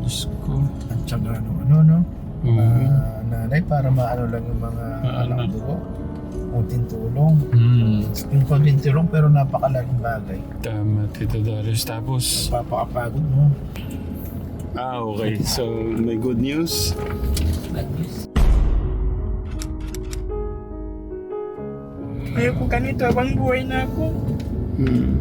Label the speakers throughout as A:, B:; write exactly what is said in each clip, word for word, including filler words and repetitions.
A: Diyos ko.
B: At saka ano, ano, no?
A: Oo.
B: Ah, nanay, para maano lang yung mga
A: Maano.
B: anak dugo. Kunting tulong.
A: Hmm.
B: Yung kunting tulong pero napakalaking bagay.
A: Tama, Tito Darius. Tapos,
B: Napapakapagod mo.
A: ah, okay. So, may good news.
B: Ayoko ganito, abang buhay na ako.
A: Hmm.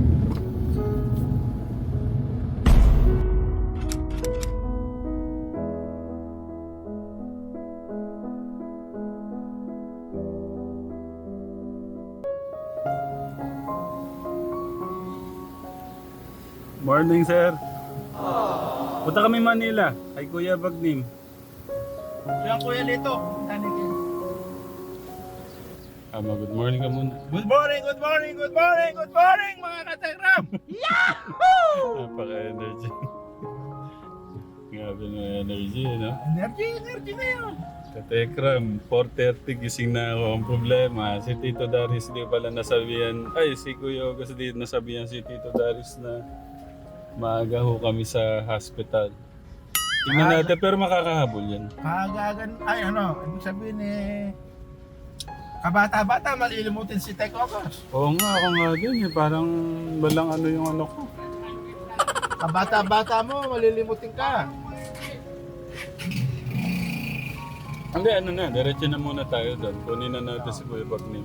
A: Morning, sir. Punta kami Manila. Kay Kuya Bagnim.
B: Yan kuya Lito.
A: Ama, good morning ka muna.
B: Good morning, good morning, good morning, good morning mga kategram!
A: Napaka-energy. Grabe na energy, no?
B: Energy, energy na yun.
A: Katekram, four thirty gising na ako. Ang problema, si Tito Darius di pala nasabihan. Ay, si Kuya August di nasabihan si Tito Darius na maaga ho kami sa hospital. Tingnan natin, pero makakahabol yan.
B: Kagagan, ay ano, ibig sabihin eh, kabata-bata, malilimutin si Tech Ocas.
A: Oo nga, ako nga din eh. Parang walang ano yung ano ko.
B: Kabata-bata mo, malilimutin ka.
A: Hindi, ano na, diretso na muna tayo doon. Kunin na natin si Kuya Bagnim.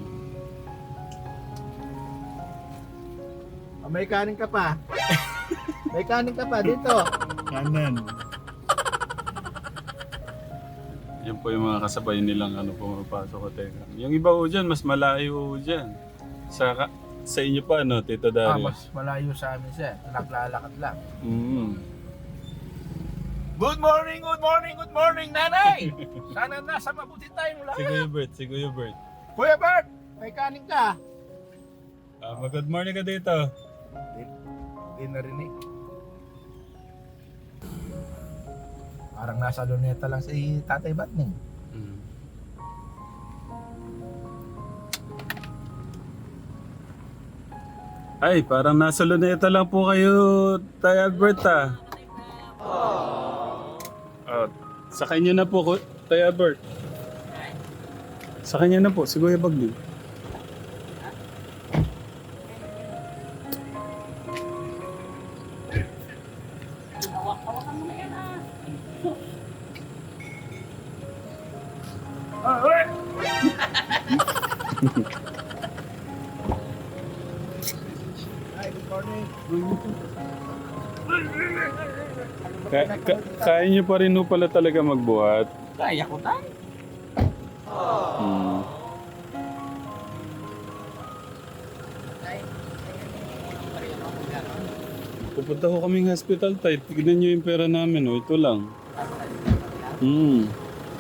B: Oh, may kanin ka pa. May kanin ka pa dito.
A: Kanan. Yan po yung mga kasabay nilang ano pumapasok ko teka. Yung iba ho dyan, mas malayo ho dyan. Sa, ka- sa inyo pa, no, Tito
B: Ah,
A: Darius?
B: mas malayo sa amin siya. Naglalakad lang.
A: Mm.
B: Good morning, good morning, good morning, nanay! Sana nasa mabuti tayong
A: Si
B: lahat.
A: Kuya Bert, si Kuya Bert.
B: Kuya Bert, may kanin ka.
A: Ah, mag-good morning ka dito.
B: Hindi narinig. Parang nasa luneta lang si Tatay Batning.
A: Mm. Ay, parang nasa luneta lang po kayo, Tay Albert ah. Oh, sa kanya na po, Ku- Tay Albert. Sa kanya na po, si Kuya Bagli.
B: Ah, ulit! Hi, good morning.
A: Ka- ka- kaya niyo pa rin ho pala talaga magbuhat.
B: Kaya ko tayo.
A: Hmm. Pupunta ko kaming hospital, tay. Tignan niyo yung pera namin, oh. Ito lang. Hmm.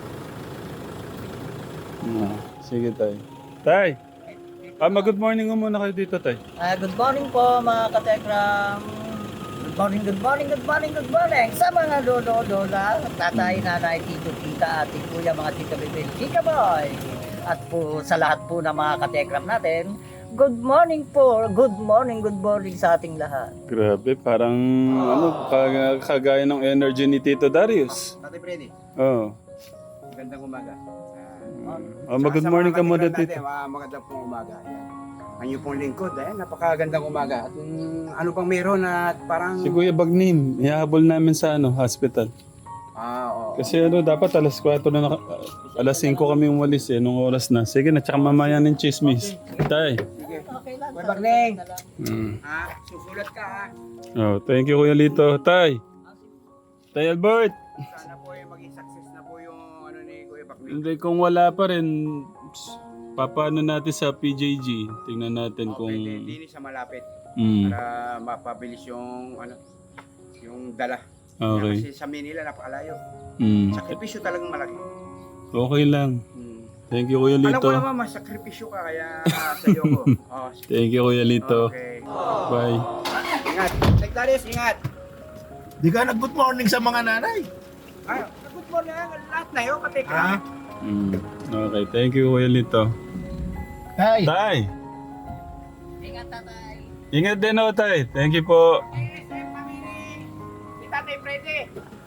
A: Ah, sige, tay. Tay! Ah, mag-good morning mo muna kayo dito, tay.
C: Ah, good morning po mga katekram. Good morning, good morning, good morning, good morning sa mga lolo, lola, tatay, nanay, tito, tita, ate, kuya, mga tita, bebe, chika boy. At po sa lahat po ng mga katekram natin, good morning po, good morning, good morning sa ating lahat.
A: Grabe, parang ano, kag- kagaya ng energy ni Tito Darius.
D: Tatay Freddy,
A: Oo.
D: magandang umaga.
A: Oh, mag-good morning ka muna,
D: Tito.
A: Tito.
D: Magandang pong umaga. Yan. Ang iyong pong lingkod, eh, napakagandang umaga. At um, ano pang meron na parang...
A: Si Kuya Bagnim, ihahabol namin sa ano, hospital.
D: Ah, oo.
A: Kasi ano, dapat alas kwatro na, naka, alas singko kami umalis eh, nung oras na. Sige na, tsaka mamaya ng chismis. Tay.
D: Sige.
C: Okay lang.
D: Kuya Bagning.
A: Mm.
D: Ah, susulat ka ha.
A: Oh, thank you Kuya Lito. Tay. Tay Albert.
D: Sana po eh, maging success na po yung ano ni Kuya Bagning.
A: Hindi, kung wala pa rin, papaano natin sa P J G. Tingnan natin kung...
D: Okay, di sa malapit.
A: Mm.
D: Para mapabilis yung ano, yung dala.
A: Okay.
D: Kasi sa Manila, napakalayo.
A: Mm.
D: Sakripisyo talagang malaki.
A: Okay lang.
D: Hmm.
A: Thank you Kuya
D: Alam
A: Lito.
D: ko naman, mas sakripisyo ka, kaya uh, sa iyo ko. Oh,
A: Thank you Kuya Lito.
D: okay.
A: Bye.
D: Ingat. Tektaris, ingat.
B: Di ka nag-good morning sa mga nanay.
D: Ah, good morning. Lahat na yun, katekra.
B: Ha?
A: Mm. Okay, thank you Kuya Lito.
B: Tay,
A: Tay.
C: Ingat tatay.
A: Ingat din o, Tay. Thank you po.
D: Ni Tatay Freddy.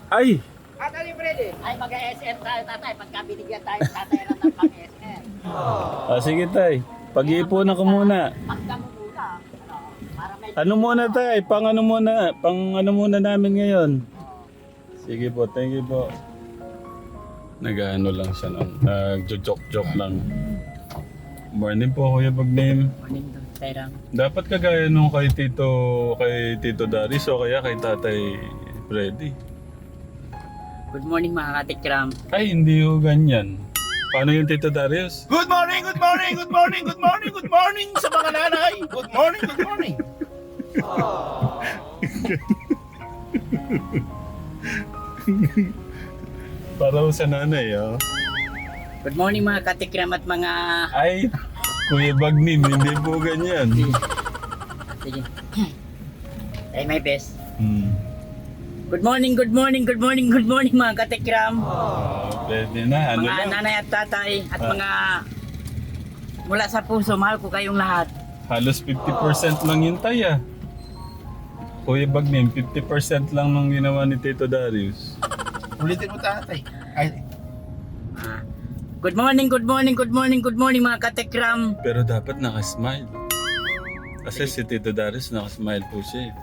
A: Ay!
C: At Ali Freddy, ay mag-S M tayo tatay pagka binigyan tayo tatay ng pang-S M.
A: Ah, sige tay. Pag-iipunan ko muna.
C: Pagka mo muna, ano, para may...
A: Ano muna tay? Pang ano muna? Pang ano muna namin ngayon? Sige po, thank you po. Nag-ano lang siya nung nag-joke-joke lang. Morning po Kuya Bagnim.
C: Morning doon, Tayrang.
A: Dapat kagaya nung kay Tito, kay Tito Darius o kaya kay Tatay Freddy.
C: Good morning mga katikram.
A: Ay, hindi ho ganyan. Paano yung Tito Darius?
B: Good morning, good morning, good morning, good morning, good morning sa mga nanay. Good morning, good morning.
A: Para ho sa nanay, oh.
C: Good morning mga katikram at mga...
A: Ay, Kuya Bagnim, hindi po ganyan.
C: Sige. Try my best.
A: Hmm.
C: Good morning, good morning, good morning, good morning mga katikram.
A: Ah, pwede na, ano
C: Mga
A: lang.
C: nanay at tatay at
A: Ah.
C: mga... Mula sa puso, mahal ko kayong lahat.
A: Halos fifty percent lang yun tay ah. Kuya Bagnim, fifty percent lang nung ginawa ni Tito Darius.
B: Ulitin mo tatay. Ay,
C: Ah. Good morning, good morning, good morning, good morning mga katikram.
A: Pero dapat nakasmile. Kasi si Tito Darius nakasmile po siya eh.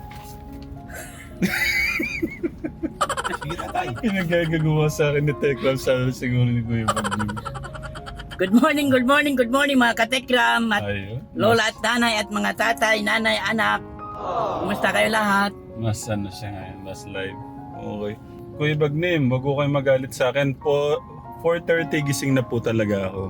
B: sige tatay.
A: Pinagagagawa sa akin ni Tekram, sabi siguro ni Kuya Bagnim.
C: Good morning, good morning, good morning mga katikram at
A: Ayun.
C: lola at nanay at mga tatay, nanay, anak. Kumusta kayo lahat?
A: Mas ano siya ngayon, mas live. Okay. Kuya Bagnim, wag ko kayo magalit sa akin. Po, four thirty gising na po talaga ako.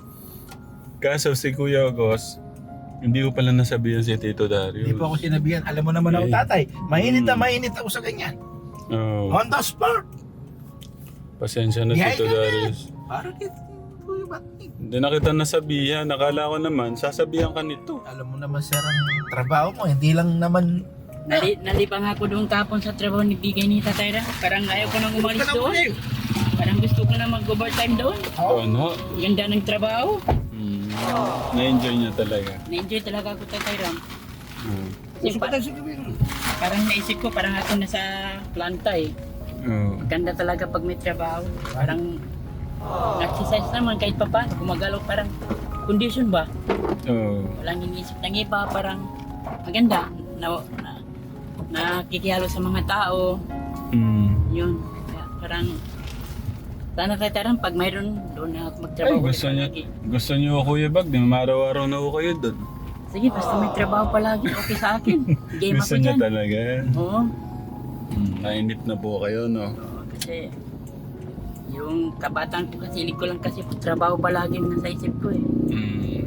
A: Kaso si Kuya Agos, hindi ko pala nasabihan si Tito Darius.
B: Hindi po ako sinabihan. Alam mo naman ako
A: Eh.
B: tatay. Mainit na
A: Hmm.
B: mainit ako sa ganyan.
A: Oh,
B: On the spot.
A: pasensya na
B: Yahay
A: Tito
B: ka na.
A: Darius.
B: Parang ito. Kuya Batnik.
A: Hindi na kita nasabihan. Nakala ko naman, sasabihan ka nito.
B: Alam mo naman sir ang trabaho mo. Hindi lang naman...
C: Nali, nalipang ako doon kapon sa trabaho ni Bigay ni Tatay Ram. Parang ayaw ko nang umalis doon. Parang gusto ko na mag-overtime doon.
A: Oh, no?
C: Ganda ng trabaho.
A: Hmm. Na-enjoy niya talaga.
C: Na-enjoy talaga ako Tatay Ram.
A: Hmm.
C: Kasi pa- parang naisip ko parang ako nasa planta eh.
A: Oh.
C: Ganda talaga pag may trabaho. Parang exercise naman kahit pa paano. Gumagalaw parang condition ba?
A: Oh.
C: Walang iniisip ng iba. Parang maganda. Na, na, nakikihalo sa mga tao.
A: Hmm.
C: Yun. Kaya parang sana tayo tarang pag mayroon doon na ako
A: Ay,
C: magtrabaho.
A: gusto
C: ulit
A: niyo,
C: palagi.
A: gusto niyo Kuya Bagnim, araw-araw na ako kayo doon.
C: Sige, basta may trabaho palagi. Okay sa akin. Game
A: Gusto
C: ako
A: niya
C: dyan.
A: talaga.
C: Oo.
A: Hmm. Nainip na po kayo, no?
C: Oo, kasi yung kabataan ko kasi hilig ko lang kasi trabaho palagi ang nasa isip ko eh.
A: Hmm.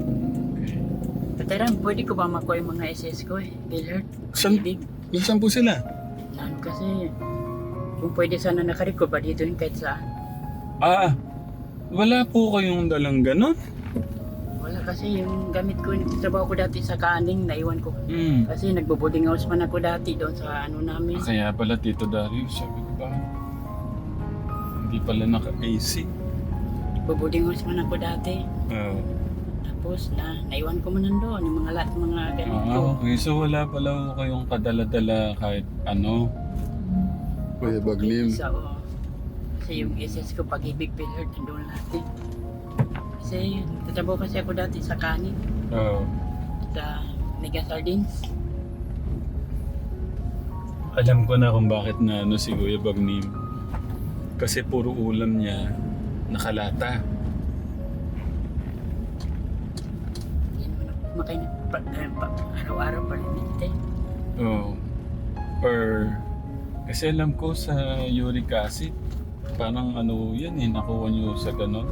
C: Tatarang, pwede ko ba makuha yung mga S S ko eh? Billard,
A: Saan?
C: ibig.
A: Nasaan po sila?
C: Ano kasi, kung pwede sana nakarecord ba dito yun kahit saan.
A: Ah, wala po kayong dalang ganon?
C: Wala kasi yung gamit ko, trabaho ko dati sa kaning, naiwan ko.
A: Hmm.
C: Kasi nagbo-boarding house man ako dati doon sa ano namin.
A: Kaya pala Tito Darius, sabi ko ba? Hindi pala naka-A C.
C: Nagbo-boarding house man ako dati.
A: Oh.
C: Tapos na, naiwan ko man nandoon, yung mga lahat ng mga gamit ko.
A: Ah, okay. So wala pala ho kayong kadala-dala kahit ano. Kuya Bagnim.
C: Isa, oo. Kasi yung S S ko, pag-ibig Billard, nandoon lahat eh. Kasi nagtatrabaho kasi ako dati sa kanin,
A: Oh.
C: sa Mega Sardines.
A: Alam ko na kung bakit na ano si Kuya Bagnim. Kasi puro ulam niya nakalata.
C: Yan mo na kumakain na pa, eh, pa, araw-araw pa rin dito eh.
A: Oh. Or kasi alam ko sa uric acid, parang ano yan eh, nakuha niyo sa ganon.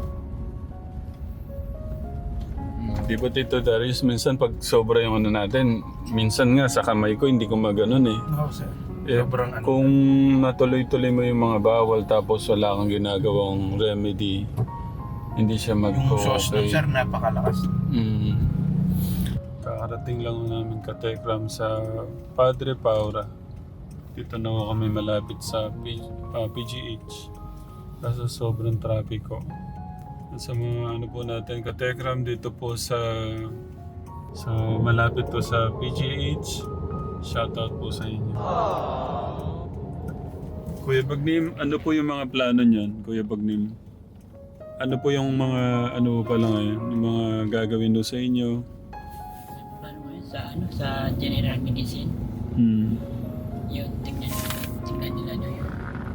A: Hmm, Di ba Tito Darius, minsan pag sobra yung ano natin, minsan nga sa kamay ko hindi ko maganon eh.
B: No sir.
A: Eh,
B: Sobrang ano.
A: kung natuloy-tuloy mo yung mga bawal tapos wala kang ginagawang remedy, hindi siya
B: Yung sauce nun
A: mag-okay.
B: sir, napakalakas.
A: Mm. Kakarating lang namin ka-Tekram sa Padre Paura. Dito na ako kami malapit sa P- ah, P G H. Kaso sobrang trapiko. Sa mga ano po natin ka-Tekram dito po sa sa malapit to sa P G H. Shoutout po sa inyo. Kuya Bagnim, ano po yung mga plano niyan, Kuya Bagnim? Ano po yung mga, ano pa lang ngayon, yung mga gagawin do sa inyo?
C: Paano mo yun? Sa, ano, sa general medicine,
A: Hmm.
C: yun, tignan, tignan nila nyo yun.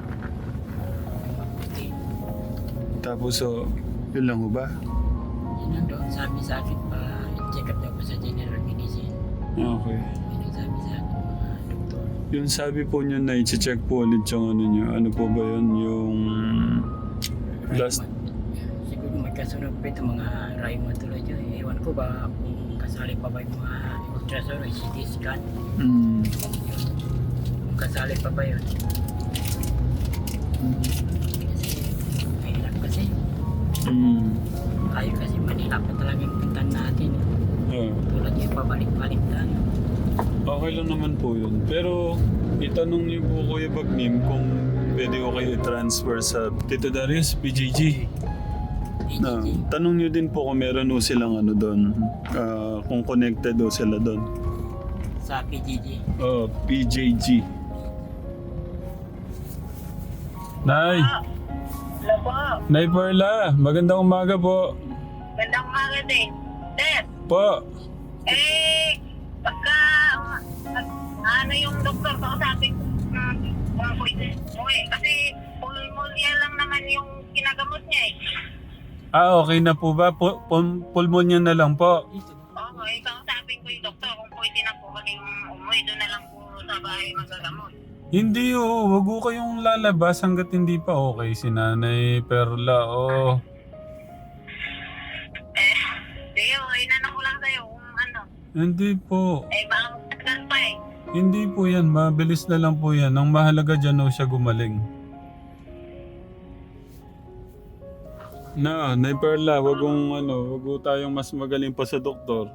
C: Okay.
A: Tapos, so, yun lang ho ba?
C: Yun ang doon, sabi sa akin pa, check up daw po sa general medicine.
A: Okay.
C: Yun ang sabi sa akin mga doktor.
A: Yung sabi po nyo na i-check po ulit yung ano nyo, ano po ba yun? Yung last...
C: Siguro may kasunod pa ito mga rheumatology. Ewan ko ba kung kasali pa ba yung mga ultrasound o C T scan.
A: Hmm.
C: Yun. Kung kasali pa ba yun. Kasi mahirap kasi.
A: Hmm.
C: Tayo kasi Manila pa talaga yung puntan natin.
A: Ah.
C: Tulad yung pabalik-balik tayo.
A: Okay lang naman po yun. Pero itanong niyo po Kuya Bagnim kung pwede ko kayo i-transfer sa Tito Darius, P J G. Na, tanong niyo din po kung meron o silang ano doon. Ah, kung connected o sila doon.
C: Sa P G G.
A: Oh, P J G. Nay!
E: Hello po.
A: Nay Perla, magandang umaga po.
E: Gandang umaga din. Sir,
A: Po.
E: eh, pagka, uh, ano yung doktor, kausapin ko, uh, kung pwede mo eh. Kasi pulmonya lang naman yung kinagamot niya eh.
A: Ah, okay na po ba? Pu- pul- pulmonya na lang po.
E: Oo, eh, kausapin ko yung doktor kung pwede na po kaming umuwi. Doon na lang po sa bahay magagamot.
A: Hindi oh, wag ko kayong lalabas hanggat hindi pa okay si Nanay Perla. Oh.
E: Eh, Leo, inanong ko lang sa'yo kung ano.
A: Hindi po.
E: Eh, baka magtagal pa eh.
A: Hindi po yan. Mabilis na lang po yan. Ang mahalaga dyan oh, siya gumaling. Na, Nay Perla, wag kong ano, wag ko tayong mas magaling pa sa doktor.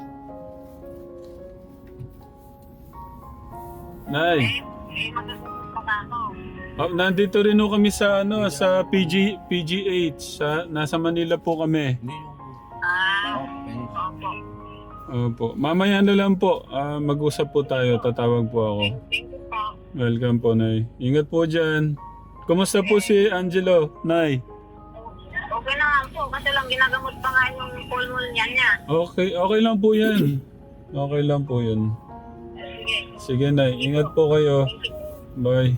A: Nay,
E: Eh, eh, magagawa pa ako.
A: oh, nandito rin ho kami sa ano, sa P G P G H. Sa, nasa Manila po kami.
E: Ah, opo.
A: Opo. Mamaya na lang po. Ah, mag-usap po tayo. Tatawag po ako.
E: Thank you po.
A: Welcome po, Nay. Ingat po dyan. Kumusta po si Angelo, Nay?
E: Okay naman po, kasi lang ginagamot pa nga yung pulmonya niya.
A: Okay, okay lang po yan. Okay lang po yun.
E: Sige.
A: Sige, Nay. Ingat po kayo. Bye.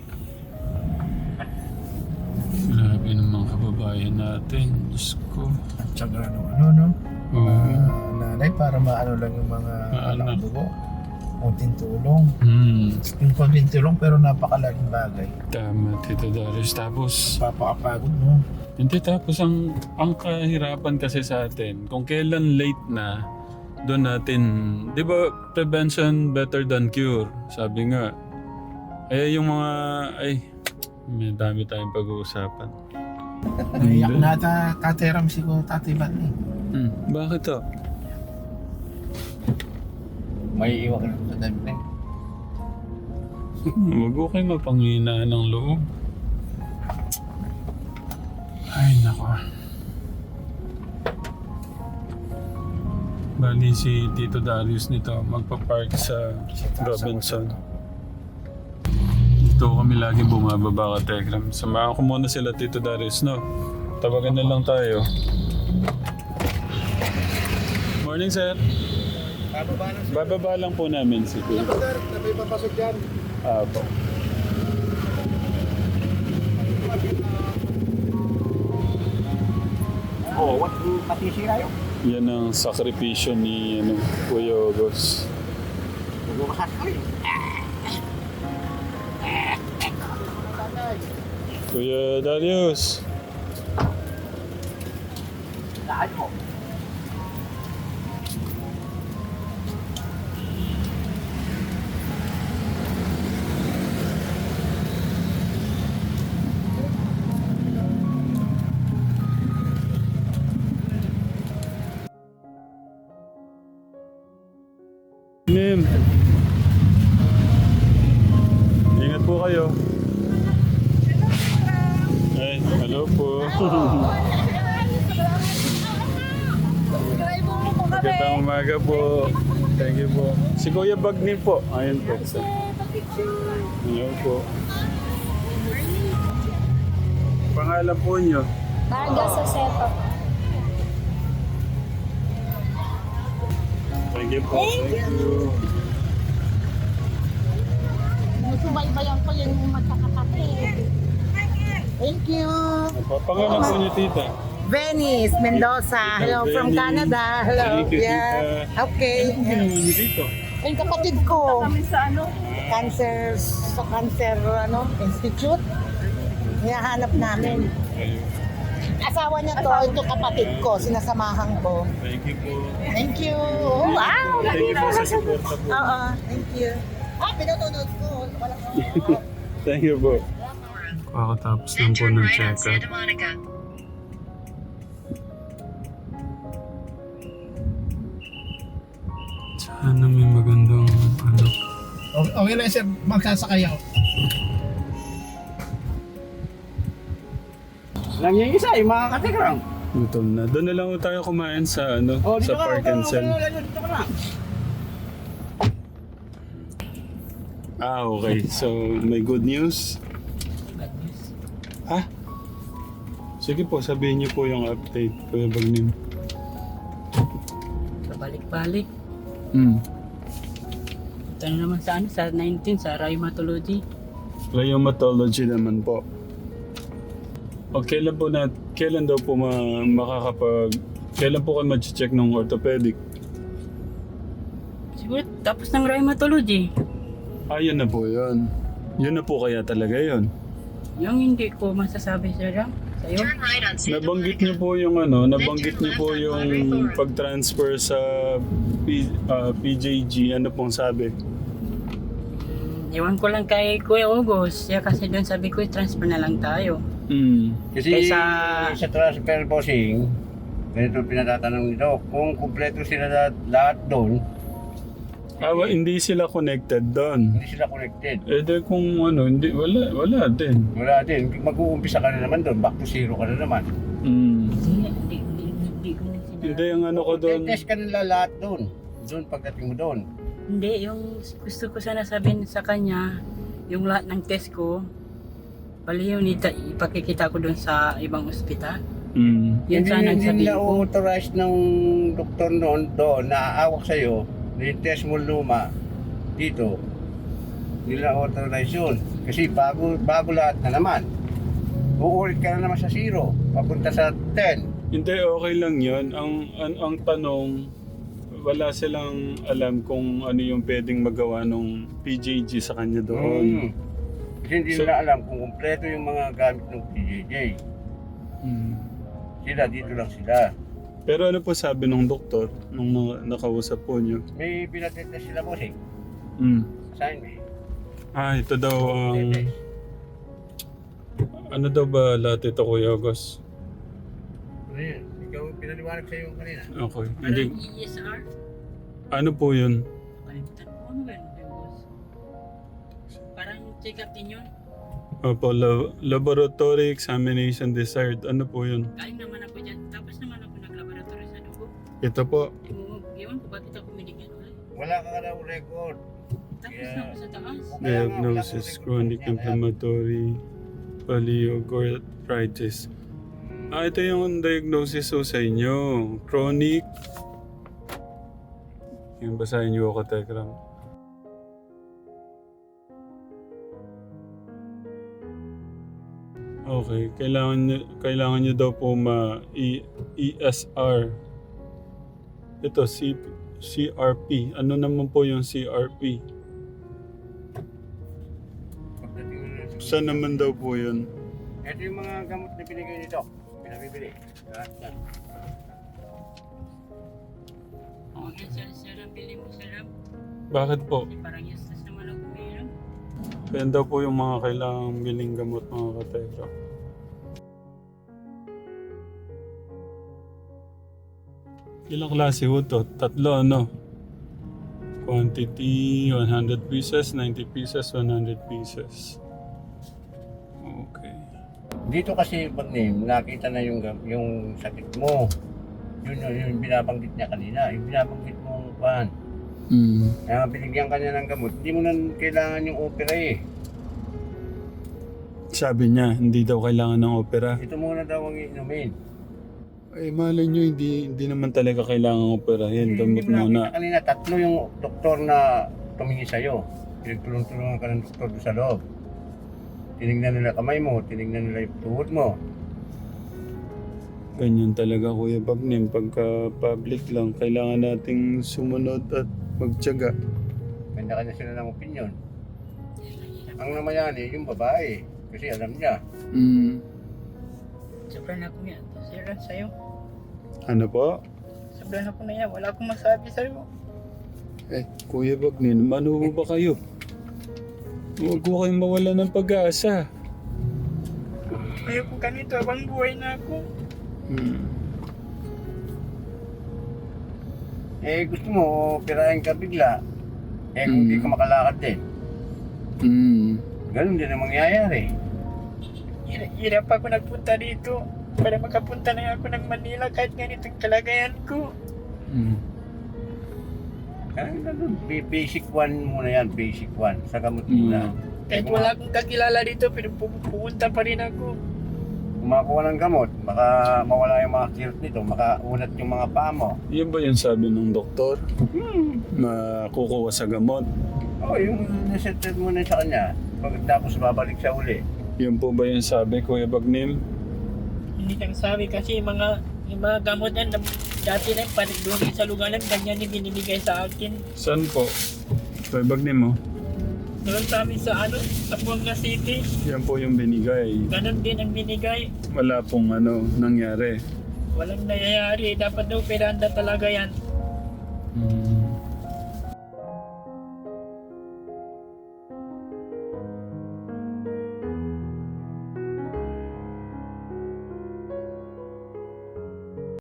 A: Grabe naman kababayan natin. Diyos ko.
B: At saka ano, ano, no?
A: Oo.
B: Ah, nanay, para maano lang yung mga
A: Maano.
B: anak dugo. Kunting tulong.
A: Hmm.
B: Yung kunting tulong pero napakalaking bagay.
A: Tama, Tito Darius. Tapos,
B: Papakapagod mo.
A: hindi tapos ang, ang kahirapan kasi sa atin, kung kailan late na, doon natin, di ba, prevention better than cure, sabi nga. Eh, yung mga, ay, may dami tayong pag-uusapan.
B: Naiyak na ta, tateram si ko tatibat ni.
A: Hmm. Bakit to?
B: May iwak na sa dami na.
A: Huwag ko kayo mapanghinaan ng loob. Ay, nako. Bali si Tito Darius nito magpa-park sa Robinson. Dito kami lagi bumababa ka Telegram. Samahan ko muna sila Tito Darius, no? Tawagan na lang tayo. Morning, sir.
B: Bababa na
A: Bababa lang po namin si Kuya.
B: sir, na may papasok dyan.
A: Ah, po.
D: Oo, what patisira yun?
A: Yan ang sakripisyo ni ano, Kuya Ogos.
D: Bubukas ka rin.
A: Kuya Darius.
D: Saan mo?
A: Nim. Ingat po kayo. Ay, hello po. Magandang umaga po. Thank you po. Si Kuya Bagni po. Ayun po. Hello po. Pangalan po nyo?
F: Vargas Josefa.
A: Thank you po. Thank you.
F: Subaybayan ko yung magkakapatid. Thank you.
A: Pangalan po nyo, tita?
G: Venice, Mendoza. Hello from
A: Venice.
G: Canada. Hello.
A: Thank you,
G: Yeah.
A: tita.
G: Okay.
A: Anong ginawa nyo dito?
G: Yung kapatid ko. Cancer, sa Cancer ano, Institute. Hinahanap namin.
A: Ayun.
G: Asawa niya to, ito kapatid ko, sinasamahan ko.
A: Thank you po.
G: Thank you. Oh, wow.
A: Thank you po sa suporta po.
G: Oo, thank you. Ah, pinatulog ko. Wala ko.
A: Thank you po. Kakatapos lang po ng check-up. Sana may magandang ano.
B: Okay, okay lang sir, magsasakay ako.
D: Lang yung isa, yung mga katikram.
A: Gutom na. Doon na lang po tayo kumain sa ano,
D: Oh, dito
A: sa
D: ka,
A: Park
D: dito
A: and
D: ka,
A: Sell.
D: dito ka, dito ka na.
A: Ah, okay. So, may good news? Ha? Sige po, sabihin niyo po yung update, Kuya Bagnim.
H: Balik-balik.
A: Hmm.
H: Ito na naman sa ano, sa nineteen, sa rheumatology.
A: Rheumatology naman po. O kailan po na, kailan daw po ma, makakapag, kailan po kayo mag-check ng orthopedic?
H: Siguro tapos ng rheumatology.
A: Ah, yun na po yun. Yun na po kaya talaga yun.
H: Yung hindi ko masasabi sir, sa'yo.
A: Nabanggit niyo po yung ano, nabanggit niyo po yung pag-transfer sa P, ah, P J G, ano pong sabi?
H: Iwan ko lang kay Kuya August. Siya kasi doon sabi ko, transfer na lang tayo.
A: Hmm.
D: Kasi
H: Kaysa-
D: sa transfer bossing, ganito pinatatanong nito, kung kumpleto sila lahat, lahat doon,
A: Ah, wa- hindi sila connected doon.
D: hindi sila connected.
A: Eh di kung ano, hindi, wala, wala din.
D: Wala din, mag-uumpisa ka na naman doon, back to zero ka na naman.
A: Hmm.
H: Hindi, hindi, hindi, hindi ko na sinabi.
A: Hindi, ang ano ko doon.
D: Test ka nila lahat doon. Doon pagdating mo doon.
H: Hindi, yung gusto ko sana sabihin sa kanya, yung lahat ng test ko, pali yun ita- ipakikita ko doon sa ibang ospital.
A: Hmm.
H: Yun
D: hindi,
H: sana ang
D: hindi
H: sabihin
D: na
H: ko.
D: authorize ng doktor noon doon na aawak sa'yo na yung test mo luma dito. Hindi na authorize yun. Kasi bago, bago lahat na naman. Uulit ka na naman sa zero. Papunta sa ten.
A: Hindi, okay lang yun. Ang, ang, ang tanong, wala silang alam kung ano yung pwedeng magawa ng P J G sa kanya doon.
D: Mm. Kasi hindi
A: So-
D: nila alam kung kumpleto yung mga gamit ng P J J.
A: Hmm.
D: Sila, dito lang sila.
A: Pero ano po sabi ng doktor nung na- nakausap po niyo?
D: May pinatitest sila boss eh.
A: Hmm.
D: Sign me.
A: Ah, ito daw ang...
D: Pinatitest.
A: ano daw ba lahat ito, Kuya August?
D: Ano yun? Ikaw pinaliwanag sa'yo kanina.
A: Okay.
H: Parang
A: Hindi,
H: E S R.
A: ano po yun?
H: Kalimutan ko ano ba yun, boss? Parang check-up din yun.
A: Opo, la- laboratory examination desired. Ano po yun?
H: Galing naman ako dyan. Tapos naman ako nag-laboratory sa dugo.
A: Ito po.
H: Ewan ewan ko bakit ako binigyan ulit.
D: Wala ka daw record.
H: Tapos
D: Yeah.
H: na ako sa taas.
A: Diagnosis, chronic inflammatory polyoarthritis. Ah, ito yung diagnosis po sa inyo. Chronic. Yung basahin niyo ako, Tekram. Okay, kailangan niyo, kailangan niyo daw po ma E- ESR. Ito, C, CRP. Ano naman po yung C R P?
D: Pagdating mo na sa-
A: Saan naman daw po yun?
D: Ito yung mga gamot na binigay nito. Pinabibili. Lahat yan.
H: Oo, yan sir, sir, ang bili mo sir.
A: Bakit po?
H: Kasi parang useless naman ako mayroon.
A: Yan daw po yung mga kailangang biling gamot, mga katekra. Ilang klase ho to? Tatlo, ano? Quantity, one hundred pieces, ninety pieces, one hundred pieces. Okay.
D: Dito kasi pag name, nakita na yung gam- yung sakit mo. Yun yun yung binabanggit niya kanina. Yung binabanggit mong pan.
A: Mm.
D: Kaya binigyan ka niya ng gamot. Hindi mo na kailangan yung opera eh.
A: Sabi niya, hindi daw kailangan ng opera.
D: Ito muna daw ang inumin.
A: Eh, malay nyo, hindi, hindi naman talaga kailangan operahin. Gamot
D: Hindi mo
A: muna.
D: nakita kanina, tatlo yung doktor na tumingin sa'yo. Pinagtulong-tulungan ka ng doktor doon sa loob. Tinignan nila kamay mo, tinignan nila yung tuhod mo.
A: Ganyan talaga, Kuya Bagnim. Pagka public lang, kailangan nating sumunod at magtiyaga.
D: Kanya-kanya sila ng opinion. Ang namayani, yung babae. Kasi alam niya.
A: Mm.
H: Sobrang ako yan. Sobrang sa'yo.
A: Ano po?
H: Sobrang ako na yan. Wala akong masabi sa'yo.
A: Eh, Kuya Bagnim, ano ba kayo? Huwag ko kayong mawala ng pag-asa.
H: Ayoko ganito. Abang buhay na ako.
A: Hmm.
D: Eh, gusto mo, operahin ka bigla. Eh, kung hindi
A: Mm.
D: ka makalakad din.
A: Mm.
D: Ganun din ang mangyayari.
H: Hira- Hirap ako nagpunta dito. Para makapunta na ako ng Manila kahit ganito ang kalagayan ko.
A: Mm.
D: Kaya ganun, ba- basic one muna yan, basic one. Sa gamot
A: Mm.
D: muna.
H: Kahit wala akong kakilala dito, pero pu- pupunta pa rin ako.
D: Kung makakuha ng gamot, baka mawala yung mga kirot nito, makaunat yung mga paa mo.
A: Yun ba yung sabi ng doktor? Na kukuha sa gamot?
D: Oo, oh, yung nasetted mo na sa kanya, pagkatapos babalik siya uli.
A: Yun po ba yung sabi, Kuya Bagnim?
H: Hindi kang sabi kasi yung mga, yung mga gamot yan, na- dati na yung panigdoon sa lugar lang, ganyan yung binibigay sa akin.
A: Saan po? Kuya Bagnim, oh.
H: Doon sa amin sa ano, sa Buanga City,
A: Yan po yung binigay.
H: ganun din ang binigay.
A: Wala pong ano, nangyari.
H: Walang nangyayari, dapat daw peranda talaga yan.
A: Mm.